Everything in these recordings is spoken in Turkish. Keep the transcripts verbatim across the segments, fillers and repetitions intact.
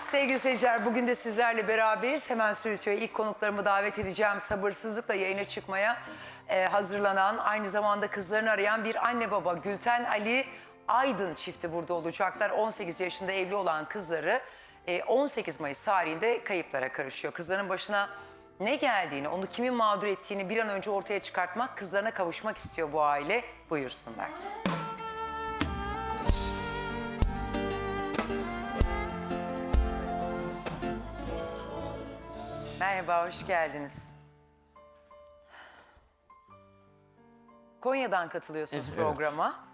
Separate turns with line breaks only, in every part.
Sevgili seyirciler, bugün de sizlerle beraberiz. Hemen Sürütüyor'a ilk konuklarımı davet edeceğim. Sabırsızlıkla yayına çıkmaya e, hazırlanan, aynı zamanda kızlarını arayan bir anne baba Gülten Ali Aydın çifti burada olacaklar. on sekiz yaşında evli olan kızları e, on sekiz Mayıs tarihinde kayıplara karışıyor. Kızların başına ne geldiğini, onu kimin mağdur ettiğini bir an önce ortaya çıkartmak, kızlarına kavuşmak istiyor bu aile. Buyursunlar. Merhaba, hoş geldiniz. Konya'dan katılıyorsunuz
Evet.
programa.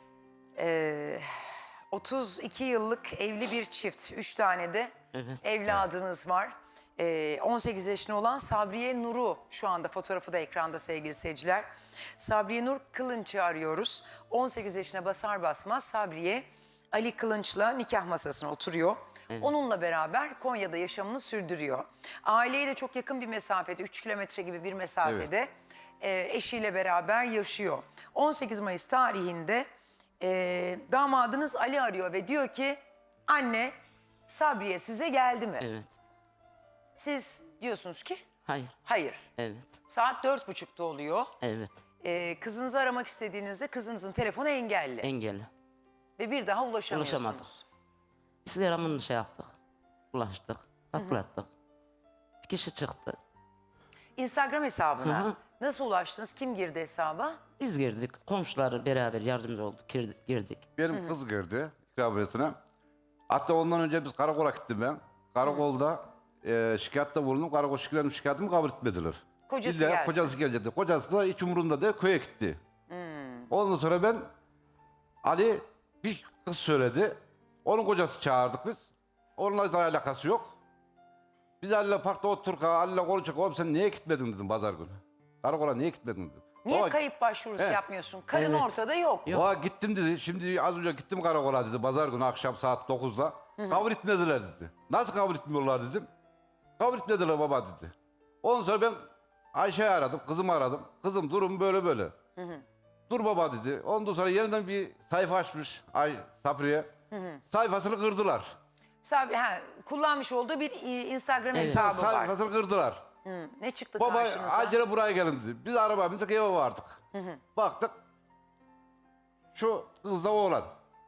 Ee, otuz iki yıllık evli bir çift, üç tane de
Evet.
evladınız var. Ee, on sekiz yaşında olan Sabriye Nur'u şu anda fotoğrafı da ekranda sevgili seyirciler. Sabriye Nur Kılınç'ı arıyoruz. on sekiz yaşına basar basmaz Sabriye Ali Kılınç'la nikah masasına oturuyor.
Evet.
Onunla beraber Konya'da yaşamını sürdürüyor. Aileye de çok yakın bir mesafede, üç kilometre gibi bir mesafede e, eşiyle beraber yaşıyor. on sekiz Mayıs tarihinde e, damadınız Ali arıyor ve diyor ki anne Sabriye size geldi mi?
Evet.
Siz diyorsunuz ki
Hayır.
hayır.
Evet.
Saat dört buçukta oluyor.
Evet.
E, kızınızı aramak istediğinizde kızınızın telefonu engelli.
Engelli.
ve bir daha ulaşamıyorsunuz.
Ulaşamadık. Instagram'ını şey yaptık. Ulaştık. Atlattık. Bir kişi çıktı.
Instagram hesabına
Hı hı.
nasıl ulaştınız? Kim girdi hesaba?
Biz girdik. Komşular beraber yardımcı olduk. Girdik. girdik.
Benim kız girdi ikrametine. Hatta ondan önce biz karakola gittim ben. Karakolda e, şikayette bulundum. Karakol şikayetimi, şikayetimi kabul etmediler.
Kocası
İlla
gelsin.
Kocası gelecekti. Kocası da hiç umurunda değil, köye gitti. Ondan sonra ben Ali bir kız söyledi. Onun kocası çağırdık biz. Onunla da alakası yok. Biz Ali'yle parkta oturduk. Ali'yle konuştuk. Oğlum sen niye gitmedin dedim pazar günü. Karakola niye gitmedin dedim.
Niye
Baba,
kayıp başvurusu
Evet.
yapmıyorsun? Karın
Evet.
ortada yok.
Yok.
Baba gittim dedi. Şimdi az önce gittim karakola dedi. Pazar günü akşam saat dokuzda. Kabul etmediler dedi. Nasıl kabul etmiyorlar dedim. Kabul etmediler baba dedi. Ondan sonra ben Ayşe'yi aradım. Kızımı aradım. Kızım durum böyle böyle. Dur baba dedi. Ondan sonra yeniden bir sayfa açmış Ay Sabriye. Sayfasını kırdılar.
Sabri, ha, kullanmış olduğu bir e, Instagram
Evet.
hesabı var.
Sayfasını kırdılar.
Hı, ne çıktı
Baba
karşınıza?
acele buraya gelin dedi. Biz araba bindik eve vardık. Baktık. Şu kızla oğlan.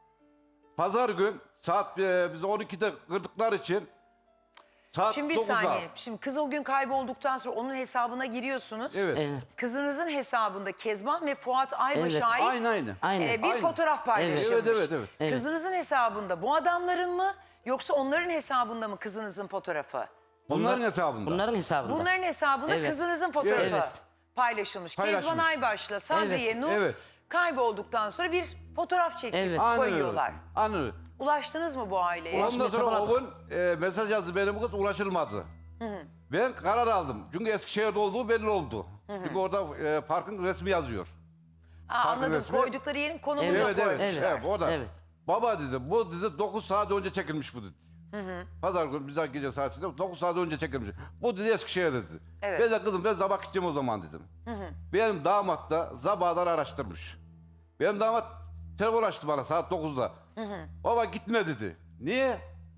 Pazar gün saat e, biz on ikide kırdıkları için saat
Şimdi bir
dokuzda.
saniye. Şimdi kız o gün kaybolduktan sonra onun hesabına giriyorsunuz.
Evet.
Evet.
Kızınızın hesabında Kezban ve Fuat Aybaş'a
Evet.
ait
Aynı aynı.
Aynen.
e, bir
Aynı.
fotoğraf paylaşılmış.
Evet, evet, evet.
Evet.
Kızınızın hesabında bu adamların mı yoksa onların hesabında mı kızınızın fotoğrafı?
Bunların
Bunlar-
hesabında.
Bunların hesabında.
Bunların hesabında
Evet.
kızınızın fotoğrafı
Evet.
paylaşılmış.
Paylaşılmış.
Kezban Aybaş'la Sabriye
Evet.
Nur
Evet.
kaybolduktan sonra bir fotoğraf çekip
Evet.
Aynen öyle.
koyuyorlar.
Aynen öyle.
Ulaştınız mı bu aileye?
Ondan sonra o
çabaladık.
gün e, mesaj yazdı benim kız ulaşılmadı. Ben karar aldım. Çünkü Eskişehir'de olduğu belli oldu. Çünkü orada e, parkın resmi yazıyor.
Aa, anladım.
resmi.
Koydukları yerin konumunu
Evet,
da
Evet evet.
koymuşlar.
Evet, o da.
Evet.
Baba dedi bu dedi dokuz saat önce çekilmiş bu dedi. Pazar günü bize gece saat dokuz saat önce çekilmiş. Bu dedi Eskişehir dedi.
Evet.
Ben de kızım ben sabah gideceğim o zaman dedim. Benim damat da sabahdan araştırmış. Benim damat telefon açtı bana saat dokuzda. Baba gitme dedi. Niye?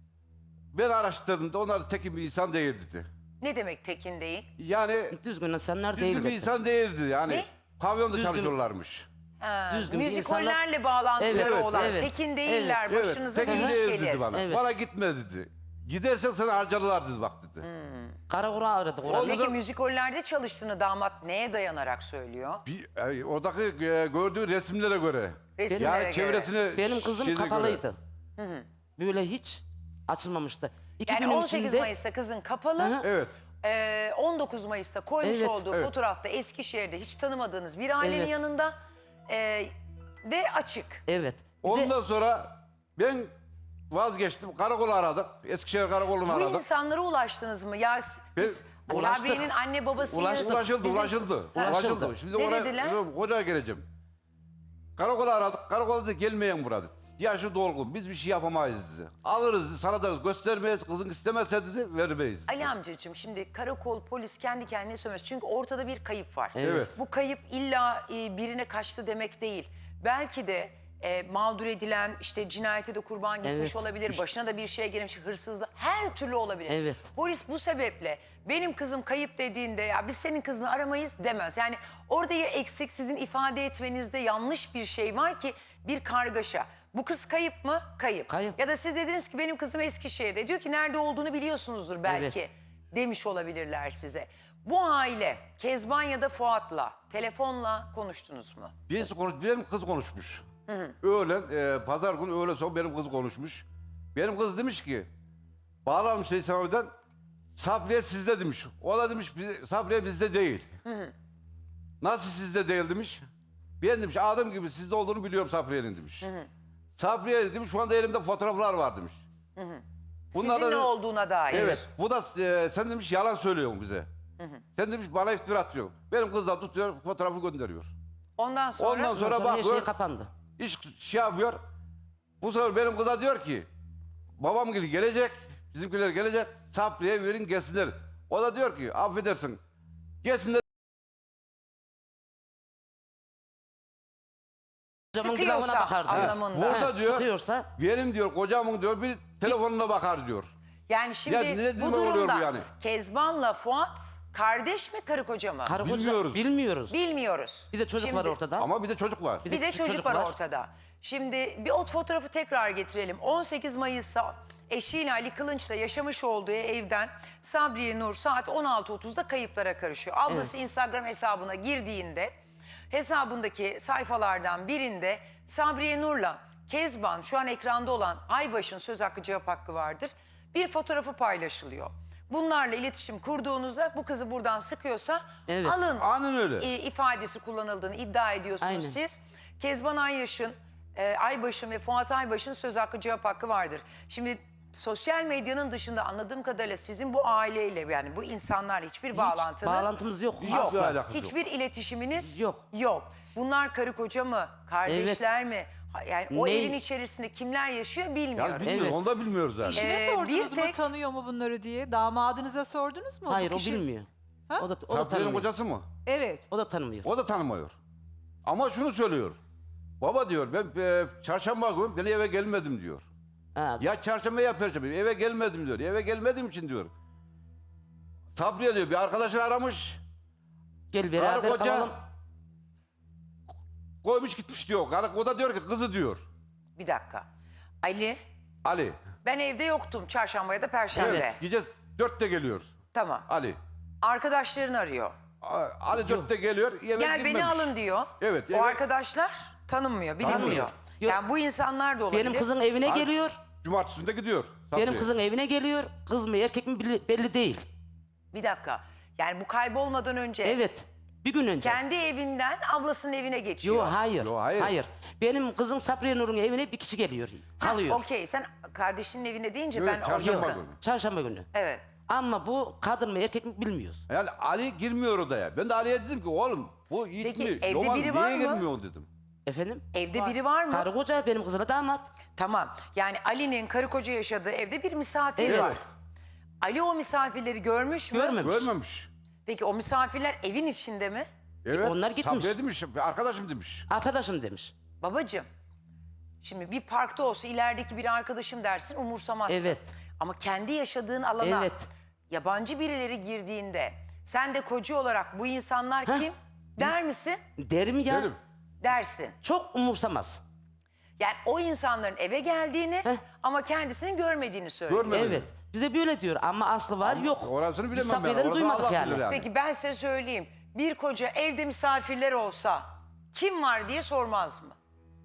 Ben araştırdım da onlar da tekin bir insan değil dedi.
Ne demek tekin değil?
Yani
Düzgün insanlar
düzgün
değil.
bir insan değildi yani.
Ne?
Pavyonda
Düzgün-
çalışıyorlarmış.
Ha,
Düzgün bir
müzikollerle bağlantıları
Evet,
olan,
evet,
tekin değiller,
Evet,
başınıza bir
tekin
iş
değil
gelir.
dedi bana.
Evet.
Bana gitme dedi. Gidersen seni harcarlar dedi bak dedi.
Karakola aradık. Orada.
Peki müzikollerde çalıştığını damat neye dayanarak söylüyor?
Bir, e, oradaki e, gördüğü resimlere göre.
Resimlere
yani
göre.
çevresine
Benim kızım
şeyine
kapalıydı. Böyle hiç açılmamıştı. iki
Yani
günün
on sekiz
içinde-
Mayıs'ta kızın kapalı,
Hı hı.
Evet.
ee, on dokuz Mayıs'ta koymuş
Evet,
olduğu
evet.
fotoğrafta Eskişehir'de hiç tanımadığınız bir ailenin
Evet.
yanında ee, ve açık.
Evet. Bir de-
Ondan sonra ben vazgeçtim. Karakolu aradık. Eskişehir karakolunu
Bu
aradık.
insanlara ulaştınız mı? Ya s- biz
Biz-
Sabriye'nin anne babasıyız.
Ulaştık.
Ulaşıldı,
Bizim-
ulaşıldı.
Ha.
Ulaşıldı. Şimdi
Ne
oraya,
dediler?
Hocaya geleceğim. Karakola aradık. Karakola dedi gelmeyen burada. Yaşı dolgun. Biz bir şey yapamayız dedi. Alırız dedi. Sana da göstermeyiz. Kızın istemezse dedi vermeyiz.
Ali amcacığım şimdi karakol polis kendi kendine söylemez. Çünkü ortada bir kayıp var.
Evet.
Bu kayıp illa e, birine kaçtı demek değil. Belki de e, mağdur edilen, işte cinayete de kurban gitmiş
Evet.
olabilir, başına da bir şey gelmiş, hırsızlık, her türlü olabilir.
Evet.
Polis bu sebeple benim kızım kayıp dediğinde ya biz senin kızını aramayız demez. Yani orada ya eksik, sizin ifade etmenizde yanlış bir şey var ki bir kargaşa. Bu kız kayıp mı? Kayıp.
Kayıp.
Ya da siz dediniz ki benim kızım Eskişehir'de. Diyor ki nerede olduğunu biliyorsunuzdur belki.
Evet.
Demiş olabilirler size. Bu aile Kezban ya da Fuat'la telefonla konuştunuz mu?
Birisi konuş, benim kız konuşmuş. Öğlen, e, pazar günü öğlen sonra benim kız konuşmuş. Benim kız demiş ki, bağlanmış İslam'dan, Sabriye sizde demiş. O da demiş, "Biz- Sabriye bizde değil. Nasıl sizde değil demiş. Ben demiş, adım gibi sizde olduğunu biliyorum Sabriye'nin demiş. Sabriye demiş, şu anda elimde fotoğraflar var demiş. Bunlar
Sizin
da-
ne olduğuna dair.
Evet, bu da e, sen demiş yalan söylüyorsun bize. Sen demiş bana iftira atıyorsun. Benim kız da tutuyor, fotoğrafı gönderiyor.
Ondan sonra,
Ondan sonra
Sonra her şey
bakıyor,
kapandı.
iş şey yapıyor. Bu sefer benim kıza diyor ki, babam gibi gelecek, bizimkiler gelecek, Sabriye verin gelsinler. O da diyor ki, affedersin, gelsinler.
Kocamın
sıkıyorsa
kulağına bakardı.
anlamında.
Burada
Ha,
diyor,
sıkıyorsa
benim diyor, kocamın diyor, bir telefonuna bakar diyor.
Yani şimdi
Ya ne-
bu
ne oluyor
durumda
bu yani?
Kezban'la Fuat kardeş mi karı koca mı?
karı koca
Bilmiyoruz.
bilmiyoruz.
Bilmiyoruz.
Bir de çocuk
Şimdi-
var ortada.
Ama bir de çocuk var.
Bir de
küçük
çocuk,
çocuk
var
var.
ortada. Şimdi bir o fotoğrafı tekrar getirelim. on sekiz Mayıs'ta eşiyle Ali Kılınç'la yaşamış olduğu evden Sabriye Nur saat on altı otuzda kayıplara karışıyor. Ablası Instagram hesabına girdiğinde hesabındaki sayfalardan birinde Sabriye Nur'la Kezban, şu an ekranda olan Aybaş'ın söz hakkı cevap hakkı vardır, bir fotoğrafı paylaşılıyor. Bunlarla iletişim kurduğunuzda bu kızı buradan sıkıyorsa
Evet.
alın
Aynen öyle.
e, ifadesi kullanıldığını iddia ediyorsunuz
Aynen.
siz. Kezban Ayyaş'ın, e, Aybaş'ın ve Fuat Aybaş'ın söz hakkı cevap hakkı vardır. Şimdi sosyal medyanın dışında anladığım kadarıyla sizin bu aileyle, yani bu insanlar hiçbir bağlantınız
bağlantımız yok.
yok.
Asla alakası yok.
Hiçbir iletişiminiz
Yok.
yok. Bunlar karı koca mı? Kardeşler mi? Ha- Yani o
Ne?
evin içerisinde kimler yaşıyor bilmiyoruz.
Yani bilmiyoruz,
Evet.
onu da bilmiyoruz yani.
Ee,
Eşine sordunuz
bir
mu
tek-
tanıyor mu bunları diye? Damadınıza sordunuz mu? Bu
Hayır o
kişi-
bilmiyor.
Ha?
O da, o da
Sabriye'nin
tanımıyor.
kocası mı?
Evet.
O da tanımıyor.
O da tanımıyor. Ama şunu söylüyor. Baba diyor, ben e, çarşamba günü beni eve gelmedim diyor.
Ha,
Ya çarşamba ya perşembe eve gelmedim diyor. Eve gelmediğim için diyor. Sabriye diyor bir arkadaşını aramış.
gel
Karı
beraber
koca
kalalım.
koymuş gitmiş diyor. Karı, o da diyor ki kızı diyor.
Bir dakika. Ali,
Ali.
ben evde yoktum çarşamba ya da perşembe.
Evet. Gece dörtte geliyor.
Tamam.
Ali.
Arkadaşların arıyor.
A- Ali dörtte geliyor. Eve
Gel
gitmemiş.
beni alın diyor.
Evet,
O
evet.
arkadaşlar tanınmıyor, bilinmiyor.
Tanımıyor. Yok.
Yani bu insanlar da olabilir.
Benim kızın evine
Ay-
geliyor.
Cumartesinde gidiyor. Sabriye.
Benim kızın evine geliyor. Kız mı erkek mi belli, belli değil.
Bir dakika. Yani bu kaybolmadan önce
Evet. Bir gün önce.
kendi evinden ablasının evine geçiyor.
Yok hayır.
Yo, hayır.
Benim kızın Sabriye Nur'un evine bir kişi geliyor. Kalıyor.
Okey, sen kardeşinin evine deyince
Evet,
ben o
çarşamba
yakın.
günü.
Çarşamba günü.
Evet.
Ama bu kadın mı erkek mi bilmiyoruz.
Yani Ali girmiyor odaya. Ben de Ali'ye dedim ki oğlum bu Yiğit
Peki,
mi?
evde
Yoman,
biri var
niye
mı?
girmiyor dedim.
Efendim?
Evde biri var mı?
Karı koca benim kızına damat.
Tamam. Yani Ali'nin karı koca yaşadığı evde bir misafir
Evet.
var. Ali o misafirleri görmüş mü?
Görmemiş.
Görmemiş.
Peki o misafirler evin içinde mi?
Evet.
onlar gitmiş.
Sabriye demiş, arkadaşım demiş.
Arkadaşım demiş.
Babacığım, şimdi bir parkta olsa ilerideki bir arkadaşım dersin, umursamazsın.
Evet.
Ama kendi yaşadığın alana
Evet.
yabancı birileri girdiğinde sen de koca olarak bu insanlar kim der misin?
Derim ya.
Derim.
Dersin.
Çok umursamaz.
Yani o insanların eve geldiğini
Heh.
ama kendisini görmediğini söylüyor.
Görmedim.
Evet. Bize böyle diyor ama aslı var yok.
Orasını
Biz
bilemem ben.
Sabriye'den
Orasını
duymadık
Allah
yani.
bilir yani.
Peki ben size söyleyeyim. Bir koca evde misafirler olsa kim var diye sormaz mı?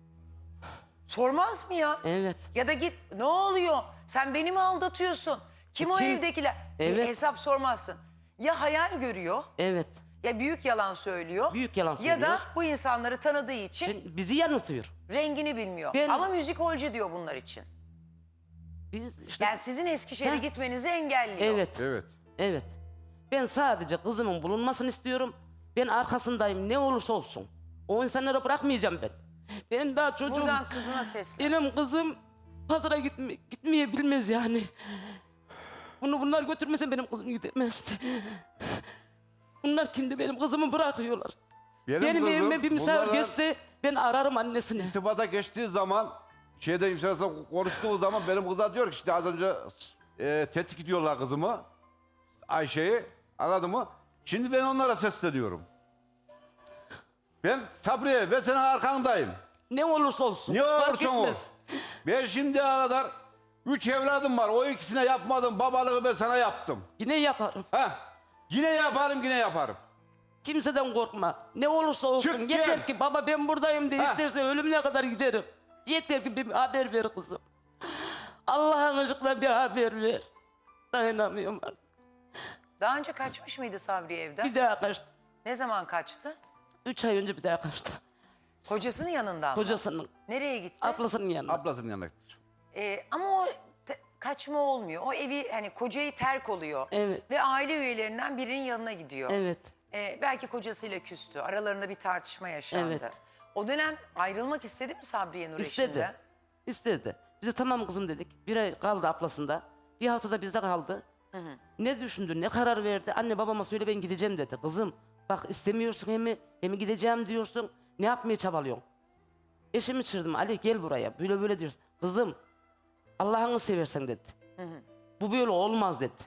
Sormaz mı ya?
Evet.
Ya da git ne oluyor? Sen beni mi aldatıyorsun? Kim o
Kim?
evdekiler? Bir
Evet.
hesap sormazsın. Ya hayal görüyor
Evet.
ya büyük yalan söylüyor.
Büyük yalan
Ya da
söylüyor.
bu insanları tanıdığı için
Şimdi bizi yanıltıyor.
rengini bilmiyor.
Ben-
Ama müzikolcu diyor bunlar için.
Biz işte
Yani sizin Eskişehir'e
Heh.
gitmenizi engelliyor.
evet.
Evet.
Evet. Ben sadece kızımın bulunmasını istiyorum. Ben arkasındayım ne olursa olsun. O insanlara bırakmayacağım ben. Ben daha çocuğum.
Buradan kızına seslen.
Benim kızım pazara gitme, gitmeye bilmez yani. Bunu bunlar götürmese benim kızım gidemezdi. Bunlar kimdi benim kızımı bırakıyorlar.
Benim
Benim,
kızım
evime bir misafir
bunlardan-
geçse Ben ararım annesini.
İrtibata geçtiği zaman şeyde imzasıyla konuştuğu zaman benim kıza diyor ki işte az önce e, tetkik ediyorlar kızımı. Ayşe'yi anladın mı? Şimdi ben onlara sesleniyorum. Ben Sabriye ve senin arkandayım.
Ne olursa olsun.
Ne
fark
olursan ol.
etmez.
Ben şimdiye kadar üç evladım var. O ikisine yapmadım. Babalığı ben sana yaptım.
Yine yaparım.
Ha? Yine yaparım, yine yaparım.
Kimseden korkma. Ne olursa olsun.
Çık
Yeter
gel.
ki baba ben buradayım de
Ha.
isterse ölümüne kadar giderim. Yeter ki bir haber ver kızım. Allah'ın aşkına bir haber ver. Dayanamıyorum artık.
Daha önce kaçmış mıydı Sabriye evden?
Bir daha kaçtı.
Ne zaman kaçtı?
Üç ay önce bir daha kaçtı.
Kocasının yanından mı?
Kocasının,
Nereye gitti?
ablasının yanına.
Ablasının yanına gitmiş.
Ee, ama o te- kaçma olmuyor. O evi hani kocayı terk oluyor.
Evet.
Ve aile üyelerinden birinin yanına gidiyor.
Evet.
Ee, belki kocasıyla küstü. Aralarında bir tartışma yaşandı.
Evet.
O dönem ayrılmak istedi mi Sabriye Nur
İstedi.
eşinden?
İstedi. Bize tamam kızım dedik. Bir ay kaldı ablasında. Bir haftada bizde kaldı. Ne düşündü, ne karar verdi? Anne babama söyle ben gideceğim dedi. Kızım bak istemiyorsun hem mi, hem mi gideceğim diyorsun. Ne yapmaya çabalıyorsun? Eşimi çırdım. Ali gel buraya. Böyle böyle diyorsun. Kızım Allah'ını seversen dedi. Bu böyle olmaz dedi.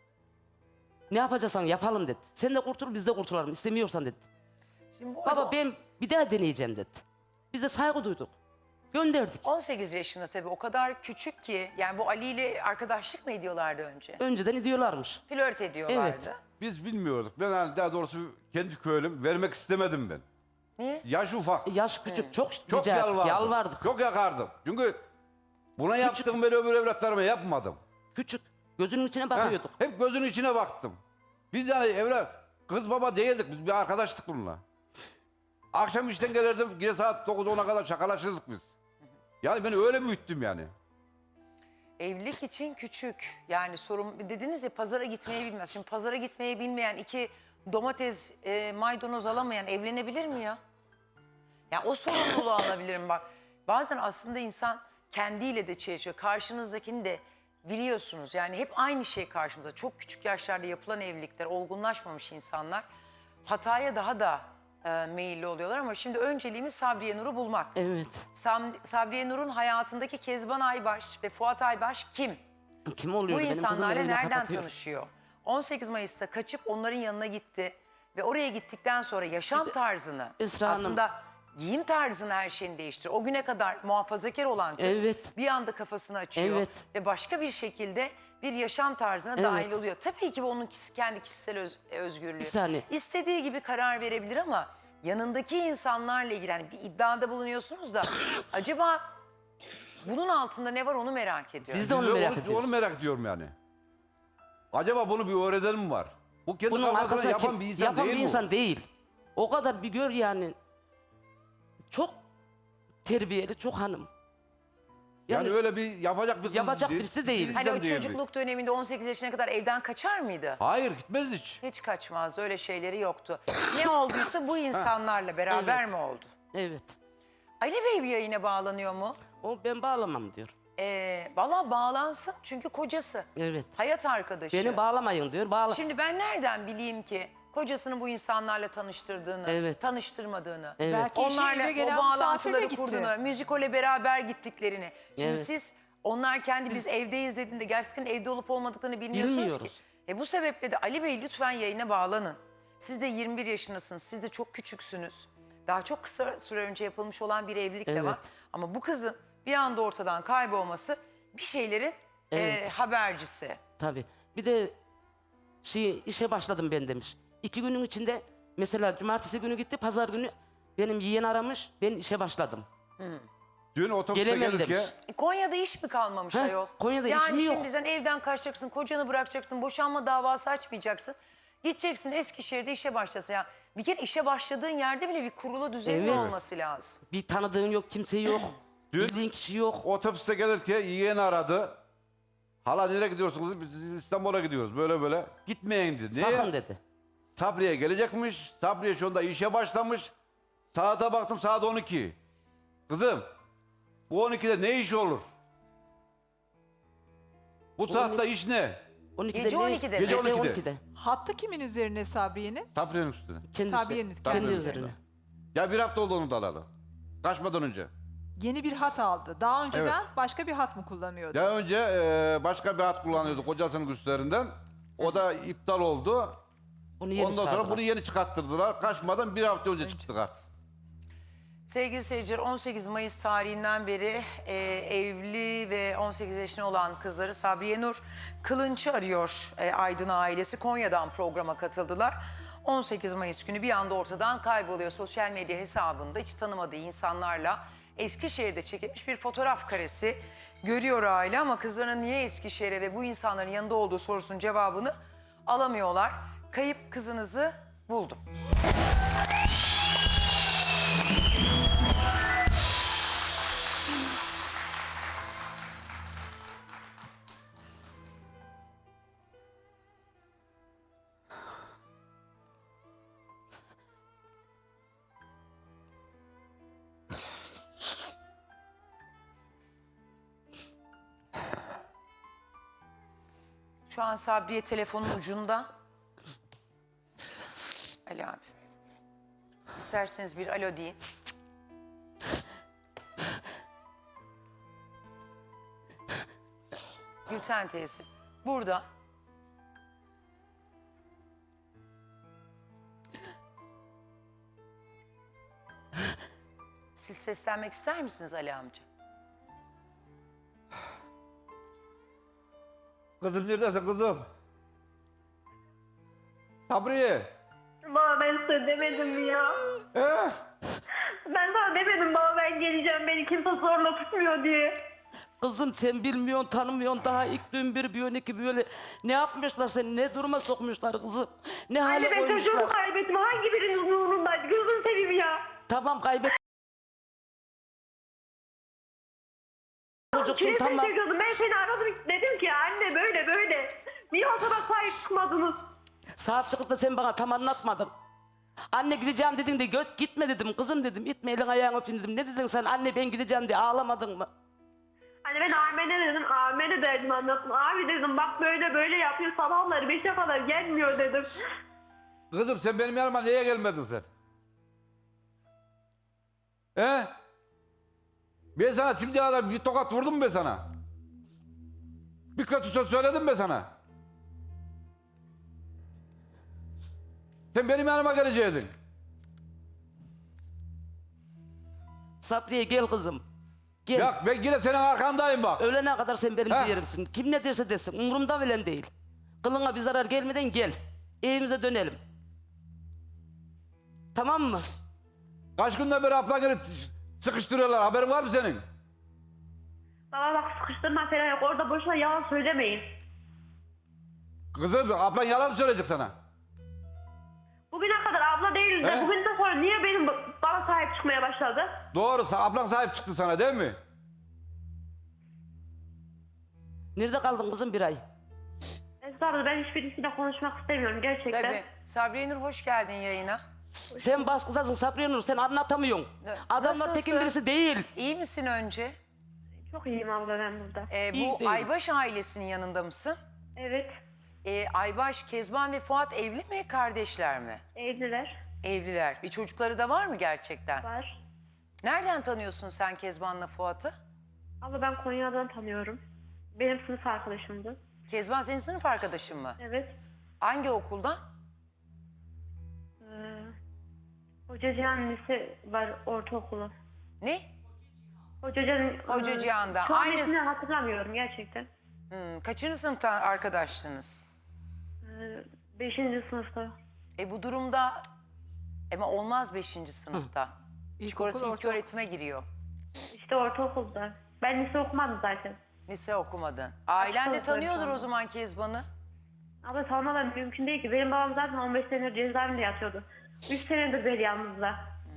Ne yapacaksan yapalım dedi. Sen de kurtul biz de kurtulalım istemiyorsan dedi.
Şimdi bu arada
Baba ben bir daha deneyeceğim dedi. Biz de saygı duyduk. Gönderdik.
on sekiz yaşında tabii o kadar küçük ki. Yani bu Ali ile arkadaşlık mı ediyorlardı önce?
Önceden ediyorlarmış.
Flört ediyorlardı.
Evet.
Biz bilmiyorduk. Ben hani daha doğrusu kendi köylüm vermek istemedim ben.
Niye?
Yaş ufak.
Yaş küçük çok,
Çok
rica ettik,
yalvardım.
yalvardık.
Çok yakardım. Çünkü buna yaptığım ben öbür evlatlarıma yapmadım.
Küçük. Gözünün içine
Ha,
bakıyorduk.
hep gözünün içine baktım. Biz yani evlat, kız baba değildik. Biz bir arkadaştık bununla. Akşam işten gelirdim. Gece saat dokuz ona kadar şakalaşırdık biz. Yani ben öyle büyüttüm yani.
Evlilik için küçük. Yani sorun dediniz ya pazara gitmeyi bilmez. Şimdi pazara gitmeyi bilmeyen iki domates, e, maydanoz alamayan evlenebilir mi ya? Ya o sorumluluğu alabilir mi bak? Bazen aslında insan kendiyle de çelişiyor. Karşınızdakini de biliyorsunuz. Yani hep aynı şey karşımıza. Çok küçük yaşlarda yapılan evlilikler, olgunlaşmamış insanlar hataya daha da e, meyilli oluyorlar. Ama şimdi önceliğimiz Sabriye Nur'u bulmak.
Evet.
Sam- Sabriye Nur'un hayatındaki Kezban Aybaş ve Fuat Aybaş kim?
Kim oluyor?
Bu
Benim kızım
insanlarla
evine
nereden
kapatıyor.
tanışıyor? on sekiz Mayıs'ta kaçıp onların yanına gitti ve oraya gittikten sonra yaşam tarzını,
Esra Hanım-
aslında giyim tarzını her şeyini değiştiriyor. O güne kadar muhafazakar olan kız
Evet.
bir anda kafasını açıyor
Evet.
ve başka bir şekilde bir yaşam tarzına
Evet.
dahil oluyor. Tabii ki bu onun kişi- kendi kişisel öz- özgürlüğü.
Bir saniye.
İstediği gibi karar verebilir ama yanındaki insanlarla ilgili yani bir iddiada bulunuyorsunuz da acaba bunun altında ne var onu merak ediyorum.
Biz de onu
Biz
merak
onu,
ediyoruz.
onu merak ediyorum yani. Acaba bunu bir öğreden mi var? Bu kendi
Bunun
kafasına
arkasında
yapan
kim-
bir insan
yapan
değil
bir
bu.
insan değil. O kadar bir gör yani. Çok terbiyeli, çok hanım.
Yani,
Yani,
öyle bir yapacak bir kız
Yapacak birisi değil.
Hani o
insan değil.
çocukluk döneminde on sekiz yaşına kadar evden kaçar mıydı?
Hayır gitmez hiç.
Hiç kaçmazdı, öyle şeyleri yoktu. Ne olduysa bu insanlarla beraber
Evet.
mi oldu?
evet.
Ali Bey bir yayına bağlanıyor mu?
O ben bağlamam diyor.
Ee, Valla bağlansın çünkü kocası.
Evet.
Hayat arkadaşı.
Beni bağlamayın diyor. Bağla.
Şimdi ben nereden bileyim ki kocasını bu insanlarla tanıştırdığını,
Evet.
tanıştırmadığını,
Evet.
Belki eşi
onlarla
eve
o
gelen
bağlantıları
misafirle gitti.
kurduğunu, müzikole beraber gittiklerini. Şimdi
Evet.
siz onlar kendi biz evdeyiz dediğinde gerçekten evde olup olmadıklarını bilmiyorsunuz ki.
Bilmiyoruz.
E bu sebeple de Ali Bey lütfen yayına bağlanın. Siz de yirmi bir yaşındasınız, siz de çok küçüksünüz. Daha çok kısa süre önce yapılmış olan bir evlilik de
Evet.
var. Ama bu kızın bir anda ortadan kaybolması bir şeylerin e,
Evet.
habercisi.
Tabii. Bir de şey, işe başladım ben demiş. İki günün içinde mesela cumartesi günü gitti, pazar günü benim yeğen aramış, ben işe başladım.
Dün otobüste
Gelemem
gelirken
demiş.
E, Konya'da iş mi kalmamış
Heh,
ayol?
Konya'da iş
yani
mi yok?
şimdi sen evden kaçacaksın, kocanı bırakacaksın, boşanma davası açmayacaksın. Gideceksin Eskişehir'de işe başlasın. Ya bir kere işe başladığın yerde bile bir kurulu düzenin
Evet.
olması lazım.
Bir tanıdığın yok, kimse yok.
Dün-
Bildiğin kişi yok.
otobüste gelirken yeğeni aradı. Hala nereye gidiyorsunuz? Biz İstanbul'a gidiyoruz. Böyle böyle. Gitmeyin dedi. Niye?
Sakın dedi.
Sabriye gelecekmiş. Sabriye şu anda işe başlamış. Saate baktım saat on iki. Kızım bu on ikide ne iş olur? Bu saatte iş ne?
on ikide
Gece
ne-
on ikide mi?
Gece on ikide.
on ikide.
Hattı kimin üzerine Sabriye'nin?
Sabriye'nin üstüne.
Kendi,
Sabiye'nin
üstüne.
kendi
kendi
üzerine.
üzerine.
Ya bir hafta oldu onu da alalı. Kaçmadan önce.
Yeni bir hat aldı. Daha önceden
Evet.
başka bir hat mı kullanıyordu?
Daha önce e, başka bir hat kullanıyordu kocasının güçlerinden. O da iptal oldu.
Bunu yeni
Ondan sonra
çıkardılar.
bunu yeni çıkarttırdılar. Kaçmadan bir hafta önce çıktı kart.
Sevgili seyirciler, on sekiz Mayıs tarihinden beri e, evli ve on sekiz yaşında olan kızları Sabriye Nur Kılınç'ı arıyor e, Aydın ailesi. Konya'dan programa katıldılar. on sekiz Mayıs günü bir anda ortadan kayboluyor. Sosyal medya hesabında hiç tanımadığı insanlarla Eskişehir'de çekilmiş bir fotoğraf karesi görüyor aile, ama kızlarının niye Eskişehir'e ve bu insanların yanında olduğu sorusunun cevabını alamıyorlar. Kayıp kızınızı buldum. Şu an Sabriye telefonun ucunda. Ali abi. İsterseniz bir alo deyin. Gülten teyze burada. Siz seslenmek ister misiniz Ali amca?
Kızım neredesin kızım? Sabriye.
Baba ben size demedim mi ya?
He?
Ben sana demedim baba ben geleceğim beni kimse zorla tutmuyor diye.
Kızım sen bilmiyorsun, tanımıyorsun. Daha ilk gün bir, bir önceki böyle ne yapmışlar seni, ne duruma sokmuşlar kızım. Ne hale
Anne ben
koymuşlar.
çocuğumu kaybettim hangi biriniz umurundaydı gözünü seveyim ya.
Tamam kaybet. Çocuksun
Kimi
tamam.
seviyordum ben seni aradım dedim ki anne böyle böyle. Niye o kadar sahip çıkmadınız?
Sahip çıkıp da sen bana tam anlatmadın. Anne gideceğim dedin de göt gitme dedim. Kızım dedim itme elin ayağını öpeyim dedim. Ne dedin sen anne ben gideceğim diye ağlamadın mı?
Hani ben Ahmet'e dedim, Ahmet'e derdim anlattım. Abi dedim bak böyle böyle yapıyor sabahları beşe kadar gelmiyor dedim.
Kızım sen benim yanıma niye gelmedin sen? He? Ben sana şimdiye kadar bir tokat vurdum mu ben sana? Bir kötü söz söyledim mi sana? Sen benim yanıma gelecektin.
Sabriye gel kızım. Gel.
Ya ben yine senin arkandayım bak.
Ölene kadar sen benim
Ha.
ciğerimsin. Kim ne derse desin umurumda bile değil. Kılına bir zarar gelmeden gel. Evimize dönelim. Tamam mı?
Kaç günden beri ablanı sıkıştırıyorlar. Haberin var mı senin?
Baba bak sıkıştırma falan yok orada boşuna yalan söylemeyin.
Kızım ablan yalan mı söyleyecek sana?
Bugüne kadar abla değildi.
He?
Bugünden sonra niye benim bana sahip çıkmaya başladı?
Doğru, ablan sahip çıktı sana değil mi?
Nerede kaldın kızım bir ay?
Esra abla ben hiçbirisiyle konuşmak istemiyorum gerçekten.
Tabii. Sabriye Nur hoş geldin yayına.
Sen baskıdasın Sabriye Nur sen anlatamıyorsun.
Ne-
Adamlar
Nasılsın?
tekin birisi değil.
İyi misin önce?
Çok iyiyim abla ben burada.
Ee,
İyi
bu
değil.
Aybaş ailesinin yanında mısın?
Evet
Ee, Aybaş, Kezban ve Fuat evli mi, kardeşler mi?
evliler
Evliler. Bir çocukları da var mı gerçekten?
var.
Nereden tanıyorsun sen Kezban'la Fuat'ı?
Abla ben Konya'dan tanıyorum. Benim sınıf arkadaşımdı.
Kezban senin sınıf arkadaşın mı?
Evet.
Hangi okuldan?
Ee, Hoca Cihan Lise var ortaokulu.
Ne?
Hoca Cihan...
Hoca Cihan'da.
Şu an
Aynı-
ismini hatırlamıyorum gerçekten.
Hmm, kaçıncı sınıftan arkadaştınız?
Ee, beşinci sınıfta.
E bu durumda ama olmaz beşinci sınıfta. Çünkü
İlkokul,
orası ilk
ortaokul.
öğretime giriyor.
İşte ortaokulda. Ben lise okumadım zaten.
Lise okumadın. Ailen de
Başka
tanıyordur o
öğretmen.
zaman Kezban'ı.
Ama tanımadan mümkün değil ki. Benim babam zaten on beş senedir cezaevinde yatıyordu. üç senedir beri yalnızda.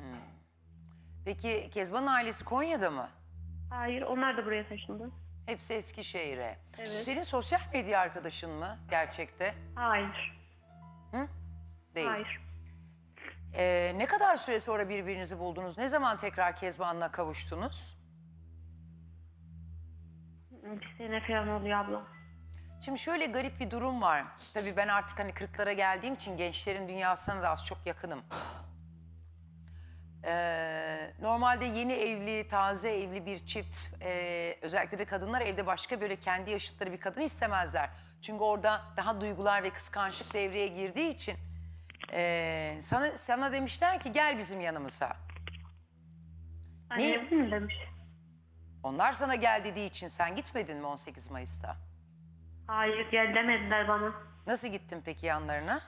Peki Kezban'ın ailesi Konya'da mı?
Hayır onlar da buraya taşındı.
Hepsi Eskişehir'e.
Evet.
Senin sosyal medya arkadaşın mı gerçekte?
Hayır.
Değil.
Hayır.
Ee, ne kadar süre sonra birbirinizi buldunuz? Ne zaman tekrar Kezban'la kavuştunuz?
Bir sene falan oluyor abla.
Şimdi şöyle garip bir durum var. Tabii ben artık hani kırklara geldiğim için gençlerin dünyasına da az çok yakınım. Ee, normalde yeni evli, taze evli bir çift, e, özellikle de kadınlar evde başka böyle kendi yaşıtları bir kadını istemezler. Çünkü orada daha duygular ve kıskançlık devreye girdiği için e, sana sana demişler ki gel bizim yanımıza. Niye?
Annem mi demiş?
Onlar sana gel dediği için sen gitmedin mi on sekiz Mayıs'ta?
Hayır gel demediler bana.
Nasıl gittin peki yanlarına?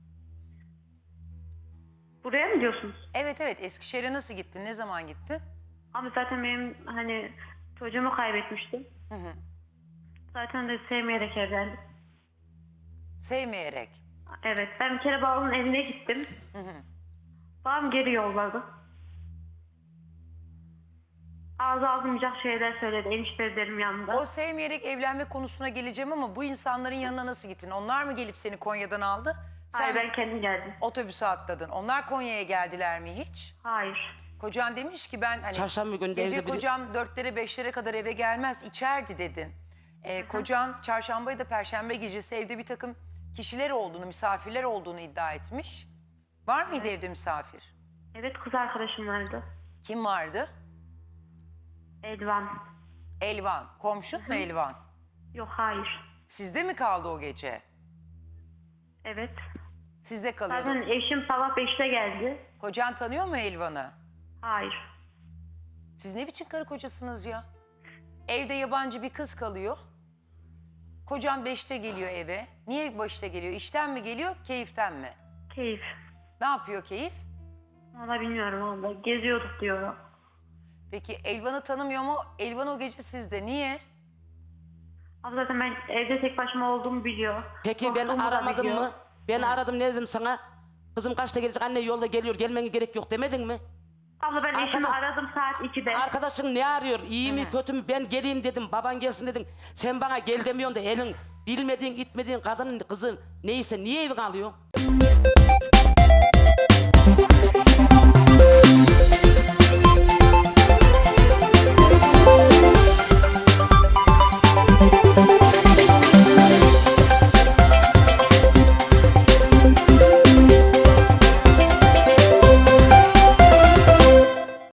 Buraya mı diyorsunuz?
Evet evet, Eskişehir'e nasıl gittin? Ne zaman gittin?
Ama zaten benim hani çocuğumu kaybetmiştim. Zaten de sevmeyerek evlendim.
Sevmeyerek.
Evet, ben bir kere babamın evine gittim. Babam geri yolladı. Ağzı alınmayacak şeyler söyledi eniştelerim yanında.
O sevmeyerek evlenme konusuna geleceğim ama bu insanların yanına nasıl gittin? Onlar mı gelip seni Konya'dan aldı? Sen
Hayır, ben kendim geldim.
otobüse atladın. Onlar Konya'ya geldiler mi hiç?
Hayır.
Kocan demiş ki ben hani
Çarşamba günü de
gece
evde biri-
kocam dörtlere beşlere kadar eve gelmez içerdi dedin. Ee, kocan çarşamba ya da perşembe gecesi evde bir takım kişiler olduğunu, misafirler olduğunu iddia etmiş. Var mıydı evde misafir?
Evet, kız arkadaşım vardı.
Kim vardı?
Elvan.
Elvan. Komşun mu Elvan?
Yok, hayır.
Sizde mi kaldı o gece?
Evet.
Sizde kalıyordu.
Zaten eşim sabah beşte geldi.
Kocan tanıyor mu Elvan'ı?
Hayır.
Siz ne biçim karı kocasınız ya? Evde yabancı bir kız kalıyor. Kocan beşte geliyor eve. Niye beşte geliyor? İşten mi geliyor, keyiften mi?
Keyif.
Ne yapıyor keyif?
Valla bilmiyorum valla. Geziyorduk diyor.
Peki Elvan'ı tanımıyor mu? Elvan o gece sizde. Niye?
Ama zaten ben evde tek başıma olduğumu biliyor.
Peki ben
Korktuğumu da
aramadım
biliyor.
mı? Ben aradım, ne dedim sana? Kızım kaçta gelecek, anne yolda geliyor, gelmene gerek yok demedin mi?
Abla ben eşimi
Arkadaş-
aradım saat ikide.
Arkadaşın ne arıyor? İyi mi kötü mü? Ben geleyim dedim. Baban gelsin dedin. Sen bana gel demiyorsun da elin bilmediğin, itmediğin kadının kızın neyse niye evine alıyorsun?